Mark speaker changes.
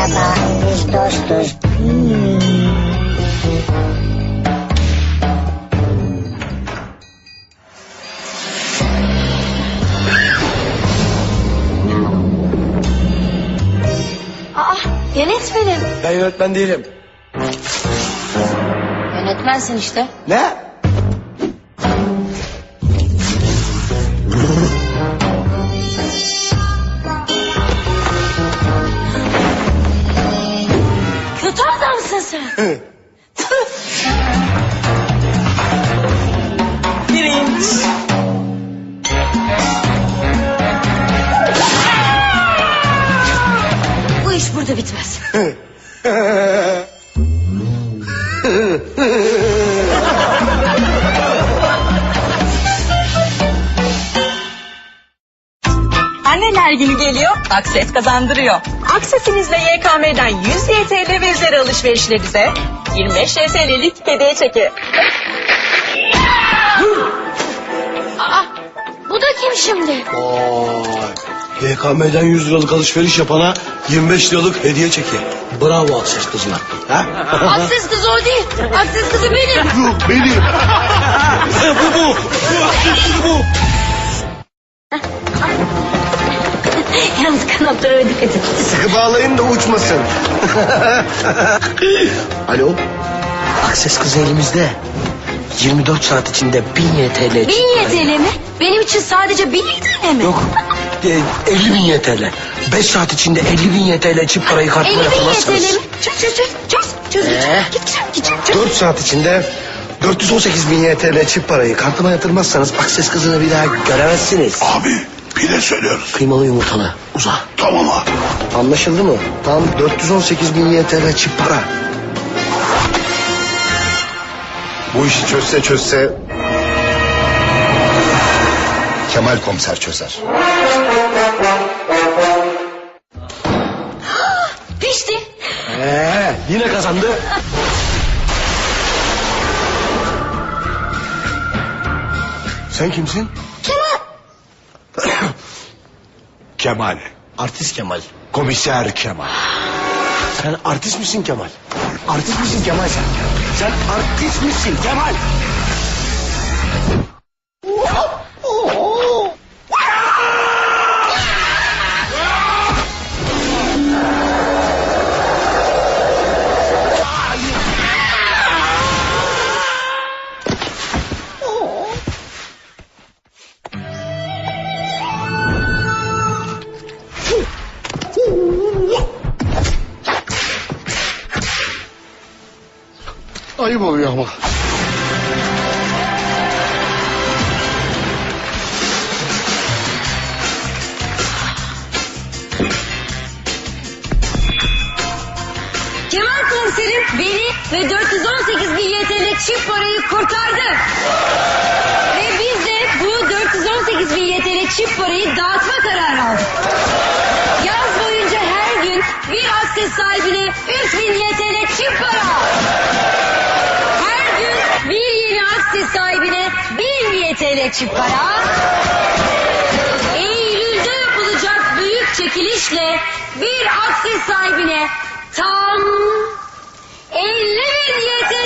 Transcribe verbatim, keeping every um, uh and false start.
Speaker 1: Merhaba, biz dostuz. Hmm.
Speaker 2: Aa, yönetmenim.
Speaker 3: Ben yönetmen değilim.
Speaker 2: Yönetmensin işte.
Speaker 3: Ne?
Speaker 2: Kötü adamsın sen.
Speaker 3: Birinç.
Speaker 2: Bu iş burada bitmez.
Speaker 4: Anneler günü geliyor, Akses kazandırıyor. Aksesinizle Y K M'den yüz Y T L ve üzeri alışverişlerinize yirmi beş Y T L'lik hediye çeki.
Speaker 2: Aa, bu da kim şimdi?
Speaker 3: Vay. Y K M'den yüz liralık alışveriş yapana yirmi beş liralık hediye çeki. Bravo Akses kızlar. Ha?
Speaker 2: Akses kızı o değil. Akses kızı benim.
Speaker 3: Yok benim. bu bu. Bu Akses kızı bu.
Speaker 2: Yalnız kanatlara dikkat et.
Speaker 3: Sıkı bağlayın da uçmasın. Alo. Akses kızı elimizde. yirmi dört saat içinde bin Y T L.
Speaker 2: Bin Y T L mi? Benim için sadece bin Y T L mi?
Speaker 3: Yok. E, elli bin Y T L. beş saat içinde elli bin Y T L çift parayı kartına
Speaker 2: elli bin Y T
Speaker 3: yatırmazsanız.
Speaker 2: L mi? Çöz çöz çöz. Çöz çöz.
Speaker 3: Ee?
Speaker 2: Git git git. Çöz.
Speaker 3: dört saat içinde dört yüz on sekiz bin Y T L çift parayı kartıma yatırmazsanız Akses kızını bir daha göremezsiniz.
Speaker 5: Abi pide söylüyoruz.
Speaker 3: Kıymalı yumurtalı. Uza.
Speaker 5: Tamam abi.
Speaker 3: Anlaşıldı mı? Tam dört yüz on sekiz bin Y T L çift para.
Speaker 5: Bu işi çözse çözse Kemal komiser çözer.
Speaker 2: Pişti.
Speaker 3: Ee, yine kazandı. Sen kimsin?
Speaker 5: Kemal.
Speaker 3: Artist Kemal.
Speaker 5: Komiser Kemal.
Speaker 3: Sen artist misin Kemal? Artist misin Kemal sen? Sen artist misin Kemal?
Speaker 5: Ayıp oluyor ama.
Speaker 2: Kemal komiserim beni ve dört yüz on sekiz bin Y T L çift parayı kurtardı. Ve biz de bu dört yüz on sekiz bin Y T L çift parayı dağıtma kararı aldık. Yaz boyunca her gün bir akses sahibine üç bin Y T L çift para. Her gün bir yeni akses sahibine bin Y T L çift para. Eylül'de yapılacak büyük çekilişle bir akses sahibine tam elli bin Y T